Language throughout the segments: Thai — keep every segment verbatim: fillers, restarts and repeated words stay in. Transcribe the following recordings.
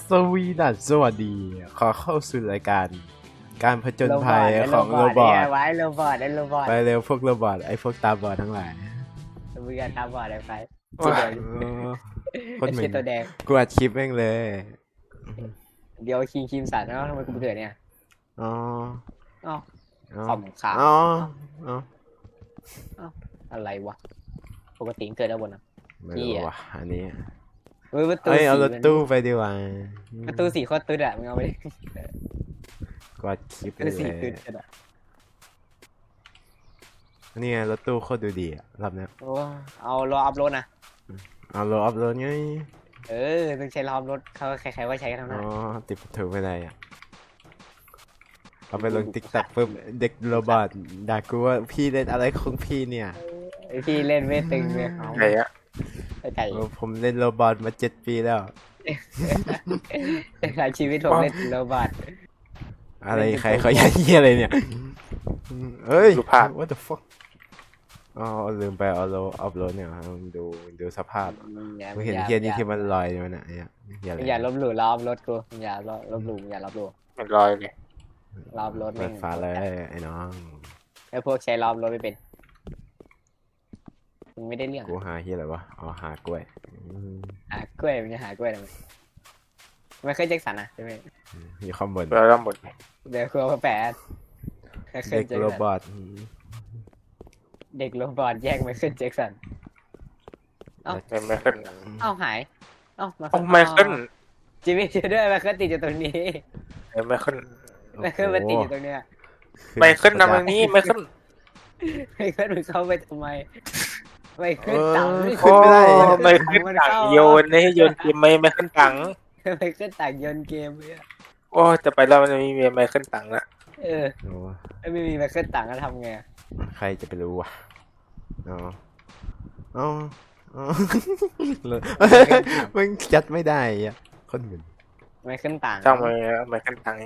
สวีดัสสวัสดีขอเข้าสู่รายการการผจญภัยของโรบอทไว้โรบอทไอ้โรบอทไปเร็วพวกโรบอทไอ้พวกตาบอดทั้งหลายมึงจะทำบอทอะไรไปคนเหมือนตัวแดงกูอัดคลิปแม่งเลยเดี๋ยวคิงคิมสันแล้วทำไมกูเกิดเนี่ยอ๋ออ๋อขอบขาอ๋ออ๋ออะไรวะปกติเกิดแล้วบนอ่ะไม่รู้ว่ะอันนี้เฮ้ยประตูสีเอารถตู้ไปดีกว่าประตูสีโคตรตื้ดอ่ะมึงเอาไปกดคลิปเลยนี่ไงรถตู้โคตรดูดีอ่ะรอบนี้โอ้เอารออัพโหลดนะเอารออัพโหลดไงเออต้องใช้รออัพโหลดเขาใครๆว่าใช้กันทั้งนั้นอ๋อติดถือไม่ได้อ่ะเอาไปลงติ๊กต็อกปุ๊บเด็กโรบอทด่ากูว่าพี่เล่นอะไรของพี่เนี่ยพี่เล่นไม่ตึงเลยเขาไงอ่ะไก่ผมเล่นโรบอทมาเจ็ดปีแล้วหลายชีวิตผมเล่นโรบอทอะไรใครเขายัดเยียอะไรเนี่ยเฮ้ยดูภาพ what the fuck อ๋อลืมไปเอาโลอัพโหลดเนี่ยดูดูสภาพมึงเห็นเทียนนี่ที่มันลอยอยู่น่ะเนี่ยอย่าลบหลู่รอบรถกูอย่าลบหลู่อย่าลบหลู่มันลอยเลยรอบรถไม่ฟ้าเลยไอ้น้องไอ้พวกใช้รอบรถไม่เป็นมึงไม่ได้เรื่องกูหาเฮียอะไรวะอ๋อหากล้วยหากล้วยมึงจะหากล้วยทำไมไม่เคยแจ็คสันนะใช่ไหมอยู่ข้างบนแล้วข้างบนเดี๋ยวครัวแปดเด็กโรบอทเด็กโรบอทแยกไม่ขึ้นแจ็คสันเอ้าไม่ขึ้นเอ้าหายเอ้าไม่ขึ้นจีวีช่วยด้วยไม่ขึ้นติดอยู่ตรงนี้ไม่ขึ้นไม่ขึ้นมาติดอยู่ตรงเนี้ยไม่ขึ้นนะมึงนี่ไม่ขึ้นไม่ขึ้นมึงเข้าไปทำไมไม่ขึ้นตังค์ไม่ขึ้นไม่ได้ไม่ขึ้นตังค์โยนนี่โยนเกมไม่ไม่ขึ้นตังค์ไม่ขึ้นตังค์โยนเกมเนี่ยโอ้จะไปแล้วมันมีไม่ขึ้นตังค์ละเออไม่มีไม่ขึ้นตังค์ก็ทำไงใครจะไปรู้วะอ๋ออ๋ออ๋อมันจัดไม่ได้อ่ะคนอื่นไม่ขึ้นตังค์ช่างไม่ไม่ขึ้นตังค์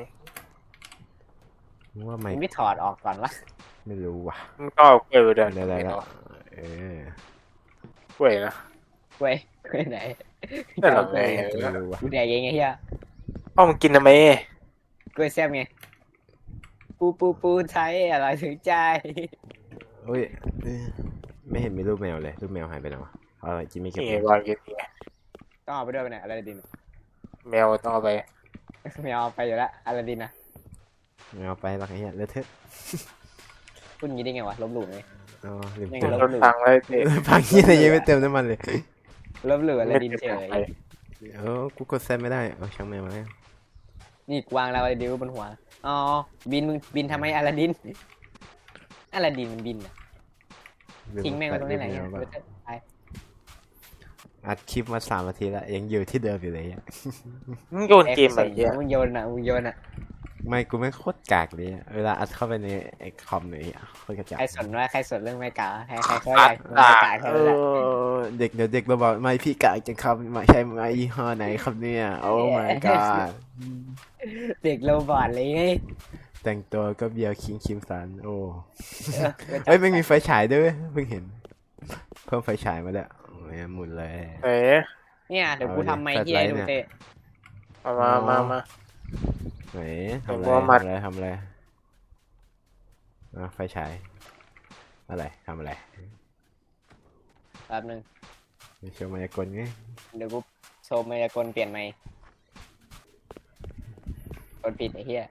ว่าไม่ไม่ถอดออกก่อนวะไม่รู้ว่ะมันก็เอากล้วยไปเดินอะไรแล้วเออกล้วยนะกล้วยกล้วยไหนนั่นหรอไงกูแดกเองไงเฮียอ้าวมึงกินทำไมกล้วยแซ่บไงปูปูปูไทยอะไรถึงใจโอ้ยไม่เห็นมีรูปแมวเลยรูปแมวหายไปไหนวะอะไรจิมมี่เก็บไงวางกินไงต้องเอาไปด้วยไปไหนอะไรดินแมวต้องเอาไปแมวไปอยู่แล้วอะไรดินนะแมวไปแล้วไงเลือดเทอะพูดงี้ได้ไงวะลบหลู่ไหมอ๋อลืมเติมรถพังเลยพังยี่อะไรยังไม่เติมน้ำมันเลยลบหลู่อะไรดินเฉยเออกูกดแซมไม่ได้เอาช่างแมวมาแล้วนี่วางแล้วอะไรดิวบนหัวอ๋อบินมึงบินทำไมอลาดินอลาดินมันบินอ่ะทิ้งแมวตรงนี้ไหนเนี่ยอัดคลิปมาสามนาทีแล้วยังอยู่ที่เดิมอยู่เลยมึงโยนเกมอะไรเงี้ยมึงโยนอ่ะมึงโยนอ่ะไม่กูไม่โคตรกากเลยเวลาอัดเข้าไปในไอ้คอมหน่อยโคตรกระจายใครสนว่าใครสนเรื่องไม่กาใครใครเขาอยากไม่กาเขาเลยเด็กเดี๋ยวเด็กเราบอกไม่พี่กากจังครับไม่ใช่ไม่ยี่ห้อไหนครับเนี่ยโอ้ my god เด็กโรบอทเลยแต่งตัวก็เบียวคิงคิมสันโอ้เฮ้ยไม่มีไฟฉายด้วยเพิ่งเห็นเพิ่มไฟฉายมาแล้วโอ้ยหมุนเลยเอ๊ะเนี่ยเดี๋ยวกูทำไมเฮียดูเตะมามามาไหนทำอะไรทำอะไรไฟฉายอะไรทำอะไรแป๊บนึงโชว์มายากลไงเดี๋ยวกูโชว์มายากลเปลี่ยนไหมกดผิดไอ้เหี้ย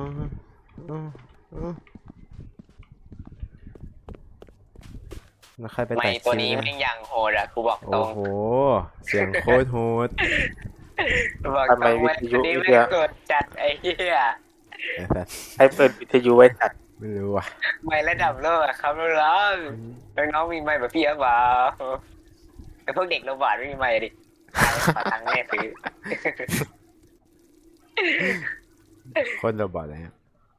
แล้วใครไปตัดไม่ตัวนี้มันยังโหดอ่ะกูบอกตรงโอ้โหเสียงโคตรโหดทำไมวิทยุไม่กดจัดไอ้เหี้ยให้เปิดวิทยุไว้จัดไม่รู้ว่ะไม่ระดับโลกอะครับน้องน้องมีไม้แบบพี่หรือเปล่าไอ้พวกเด็กโรบอทไม่มีไม้ดิขอตังค์แม่ซื้อคนโรบอทอะไรฮะ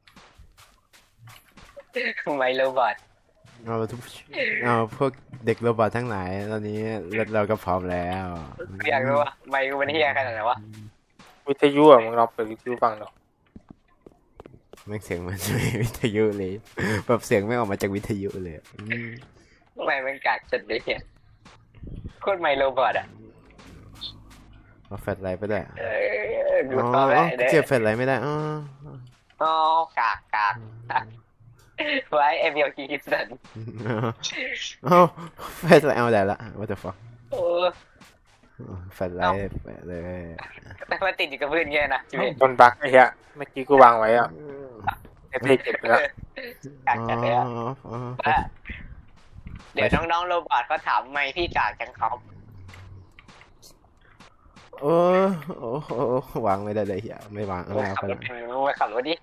ไม้โรบอทเอาทุกเอาพวกเด็กโรบอททั้งหลายตอนนี้เราก็พร้อมแล้วอยากรู้ว่าไม้กูเป็นเหี้ยขนาดไหนวะวิทยุอะมึงลองเปิดวิทยุฟังหน่อยไม่เสียงมันวิทยุเลยแบบเสียงไม่ออกมาจากวิทยุเลยไม่เป็นกากจัดเลยเนี่ยโคตรไมโลบอทอ่ะมาแฟลชไลท์ไปด้วยเออดูอ๋อต่อไปเด้เก็บเฟรอะไรไม่ได้อ๋ออ๋อกากกากไว้เอ็มยูกิฟสันอ๋อเฟรอะไรเอาได้ละ what the fuck โอ้เฟรอะไรเฟรเลยแต่มันติดอยู่กับพื้นเงี้ยนะชีวิตโดนบั๊กไอ้เหี้ยเมื่อกี้กูวางไว้อ่ะไอ้เต้เก็บไปแล้วกากจัดเลยอะอ๋อเดี๋ยวน้องๆโรบอทเขาถามไม่พี่กากจังครับโอ้โอ้โอ้วางไม่ได้เลยเฮียไม่วางมึไม่งเอาขับไปรละถมึงไปขับรถดิ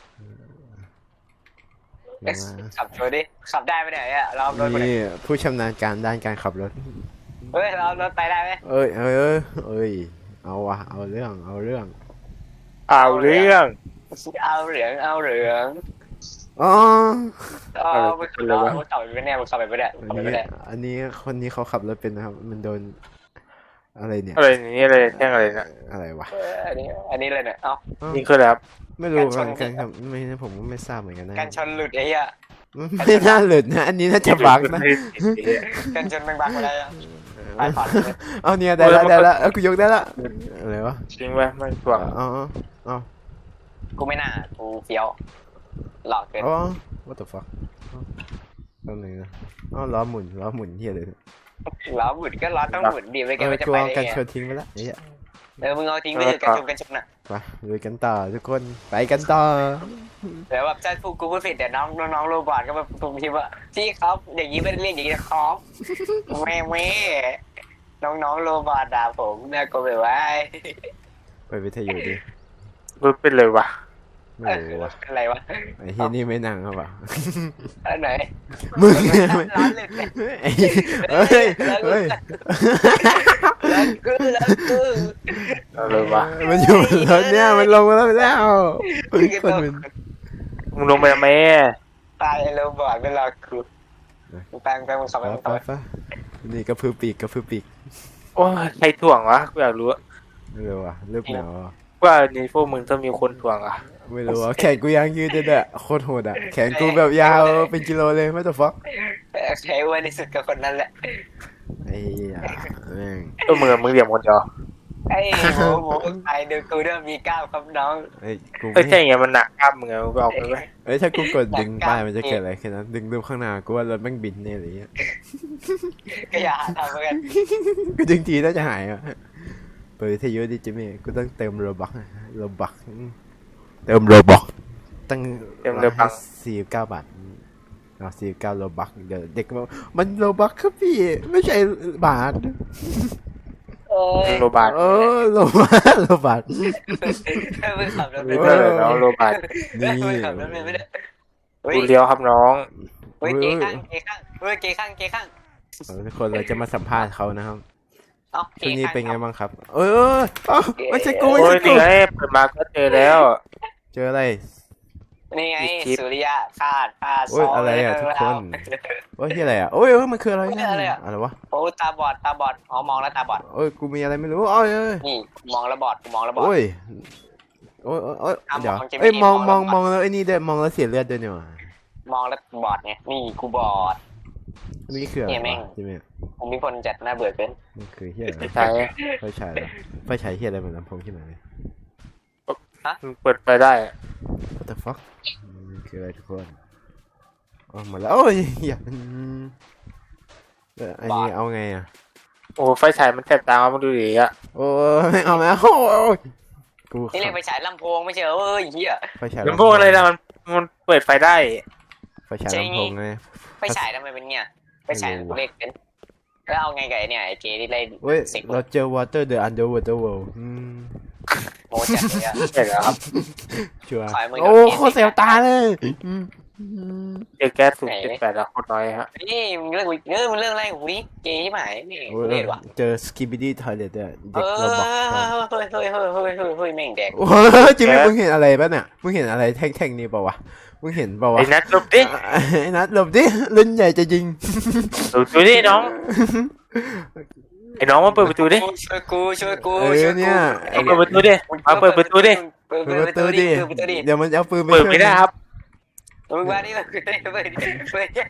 ขับรถดิขับได้ไหมเนี่ยเรารถไปนี่ผู้ชำนาญการด้านการขับรถเฮ้ยเรารถไปได้ไหมเอ้ยเอ้ยเอ้ยเอ้ยเอาวะเอาเรื่องเอาเรื่องเอาเรื่องเอาเหลืองเอาเหลืองอ๋ออ๋อมึงขับรถมึงขับไปไม่ได้มึงขับไปไม่ได้อัขับนไปนี้ไม่ได้อันนี้คนนี้เขาขับรถเป็นนะครับ มันโดนอะไรเนี่ยอะไรนี่อะไรแท่งอะไรนะอะไรวะอันนี้อันนี้เลยเนี่ยเอ้านี่คือแล้วไม่รู้เหมือนกันครับไม่ผมก็ไม่ทราบเหมือนกันนะกันชนหลุดไอ้เหี้ยไม่น่าหลุดนะอันนี้น่าจะบักนะกันชนแมงบักอะไรอะไปผ่อนเอาเนี่ยได้ละได้ละเอากูยกได้ละอะไรวะจริงไหมไม่ถ่วงอ๋ออ๋อกูไม่น่ากูเฟี้ยวหลอกเกินอ๋อ what the fuck ตรงไหนนะอ๋อล้อหมุนล้อหมุนเฮียเลยล้อหมุนก็ล้อต้องหมุนดีไม่เองั้นอมันจะกูไปเอาได้กันไงชนทิ้งไปละเฮ้ยเออมึงเอาทิ้งไปเลยกันชนกันชนอ่ะไปลุยกันต่อทุกคนไปกันต่อแล้วแบบจะพูดกูพูดผิดแต่น้องน้องโรบอทก็มาตุ้มทิมว่าพี่ครับอย่างนี้ไม่ได้เรียกอย่างนี้นะครับแม่แม่น้องๆโรบอทด่าผมเนี่ยก็แบบว่าไปวิทยุดิรู้เป็นเลยวะไม่รู้วะเป็นไรวะไอ้เฮียนี่ไม่นั่งครับวะอันไหนมึงร้านเล็กเลยไอ้เฮ้ยเฮ้ยร้านคือร้านคืออะไรวะมันอยู่บนรถเนี่ยมันลงมาแล้วแล้วคนมันมึงลงไปทำไมตายโรบอทเป็นหลักคือแปลงแปลงมึงขับไปไปมึงไปขับไปไปนี่กระพือปีกกระพือปีกโอ้ยใครถ่วงวะกูอยากรู้ไม่รู้ว่ะรูปแนวว่าในพวกมึงต้องมีคนถ่วงอ่ะไม่รู้อ่ะแขนกูยังยืดเด็ดโคตรโหดอ่ะแขนกูแบบยาวเป็นกิโลเลยไม่ต้องฟอกใช้อ้วนที่สุดกับคนนั้นแหละไอ้เหี้ยแม่งตัวมึงมึงเหลี่ยมคนเดียวไอ้โหโหไอ้เดือกูเริ่มมีกล้ามครับน้องไอ้กูเอ้ยใช่ไงมันหนักกล้ามมึงไงมึงไปออกไปไหมเอ้ยถ้ากูกดดึงป้ายมันจะเกิดอะไรขึ้นนะดึงรูปข้างหน้ากูว่ารถแม่งบินแน่เลยอ่ะก็อย่าทำเหมือนกันกูดึงทีน่าจะหายอ่ะเปิดวิทยุดิจิมี่กูต้องเติมโรบักโรบักเติมโรบักตั้งสี่สิบเก้าบาทเอาสี่สิบเก้าโรบักเดี๋ยวเด็กมันมันโรบักครับพี่ไม่ใช่บาทโอ้ยโรบาทเออโรบักโรบักมึงขับรถไม่ไม่ได้ได้เลยน้องโรบาทนี่มึงขับรถไม่ได้เฮ้ยกูเลี้ยวครับน้องเฮ้ยเก๋ข้างเก๋ข้างเฮ้ยเก๋ข้างเก๋ข้างทุกคนเราจะมาสัมภาษณ์เขานะครับเอ้าช่วงนี้เป็นไงบ้างครับ เออเออไม่ใช่กูโอ้ไม่ยใช่กูนี่ไงเปิดมาก็เจอแล้วเจออะไรนี่ไงอีกคลิปสุริยะคาดคาดโอ้ยอะไรอ่ะทุกคน โอ้ยที่อะไรอ่ะโอ้ยเออมันคืออะไรไม่ใช่อะไรอะอะไรวะโอ้ตาบอดตาบอดอ๋อมองแล้วตาบอดโอ้ยกูมีอะไรไม่รู้โอ้ยเอ้ยนี่มองแล้วบอดกูมองแล้วบอดโอ้ยโอ้ยโอ้ยโอ้ยอ่ะเดี๋ยวมองจริงๆเอ้ยมองมมออง งแล้วมองแล้วไอ้นี่ด้วยมองแล้วเสียเลือดด้วยเนี่ยว่ะมองแล้วบอดไงนี่กูบอดอันนี่คืออะไรเนี่ยแม่งวะใช่ไหมผมมีคนจัดหน้าเบื่อเกินมันคือเฮียอะไรใช่ไฟฉายเหรอไฟฉายเฮียอะไรเหมือนลำโพงที่ไหนเลยมึงเปิดไปได้ what the fuck มันคืออะไรทุกคนอ๋อหมดแล้วโอ้ยเฮียอืมเอออันนี้เอาไงอ่ะโอ้ไฟฉายมันแสบตามาดูดิอ่ะโอ้ยไม่เอาไม่เอาโอ้ยกูนี่เรียกไปฉายลำโพงไม่ใช่เหรอเอ้ยเหี้ยไฟฉายลำโพงอะไรนะมันมันเปิดไฟได้ไฟฉายลำโพงไงไปฉายทำไมเป็นเงี้ยไปฉายเล็กเป็นแล้วเอาไงกับไอ้เนี่ยไอ้เจที่ไล่เว้ยสิกเราเจอ water the underwater world อืมโมจัดเลยอะใช่แล้วครับชัวร์ขอให้มึงโอ้โดนเกมโคตรเสียวตาเลยอืมอืมเจอแก๊สสูงเจ็ดแปดแล้วโคตรน้อยฮะนี่มึงเรื่องเรื่องมึงเรื่องอะไรของนี่เกย์ที่หมายนี่โอ้ยเล่นว่ะเจอ skibidi toilet ด้วยเอเด็กอเราบอกเฮ้ยเฮ้ยเฮ้ยเฮ้ยเฮ้ยเฮ้ยแม่งแดกโอ้ยจิมมี่มึงเห็นอะไรป่ะเนี่ยมึงเห็นอะไรแท่งๆนี่ป่าวะมึงเห็นป่าวะไอ้นัทหลบดิไอ้นัดหลบดิรุ่นใหญ่จะยิงหลบดูดิน้องไอ้น้องมาเปิดประตูดิช่วยกูช่วยกูเออช่วยกูเนี่ยเอาเปิดประตูดิมาเปิดประตูดิเปิดเปิดประตูดิเปิดประตูดิเดี๋ยวมันจะเอาปืนไปเปิดช่วยไม่ได้ครับมึงมาดิเปิดประตูดิเปิดดิเปิดดิ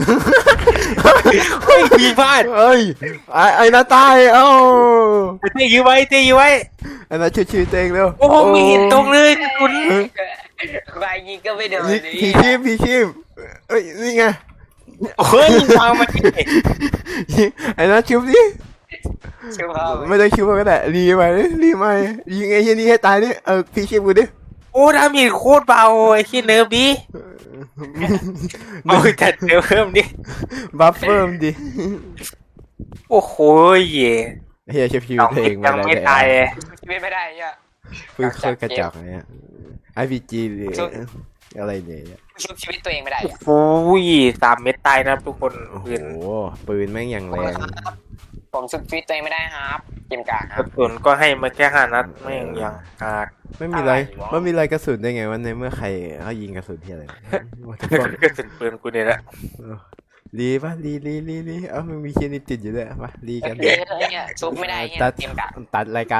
เฮ้ยยิงพลาดเอ้ยไอ้ไอ้นาตายเอ้าเต้ยื้อไว้เต้ยื้อไว้อันนั้นชื่อตัวเองเร็วโอ้โหไม่เห็นตรงเลยคุณใบยิงก็ไม่โดนนี่เลยพี่ชิมพี่ชิมเอ้ยนี่ไงเฮ้ยมามาดิไอ้นั้นชุบดิชิวเขาไม่ต้องชุบก็ได้รีมาดิรีมายิงไอ้เหี้ยนี่ให้ตายดิเออพี่ชิมกูดิโอ้ดาเมจโคตรเบาไอ้ขี้เนิร์ฟดิเอาจัดเนิร์ฟเพิ่มดิบัฟเฟิร์มดิโอ้โหเย่เฮียชิวน้องตัวเองยังไม่ตายชีวิตไม่ได้เนี่ยปืนโคตรกระจอกเนี่ยไอพีจีหรืออะไรเนี่ยชุบชีวิตตัวเองไม่ได้โอ้ยสามเม็ดตายนะทุกคนโอ้โหปืนปืนแม่งอย่างแรงผมชุบชีวิตตัวเองไม่ได้ครับเกมกากคกรัระบสุนก็ให้มาแค่ห้านัดไม่งยังขาดไม่มีไรอะไรวะไม่มีไรกระสุนได้ไงวะในเมื่อใครเขายิงกระสุนที่อะไร What the fuck กระสุนปืนกูเนี่ยแหละรีป่ะรีรีรีรีเอ้ามันมีเคียนี่ติดอยู่ด้วยป่ะรีกันเนี่ยชุบไม่ได้เนี่ยตัดเกมกากตัดรายการ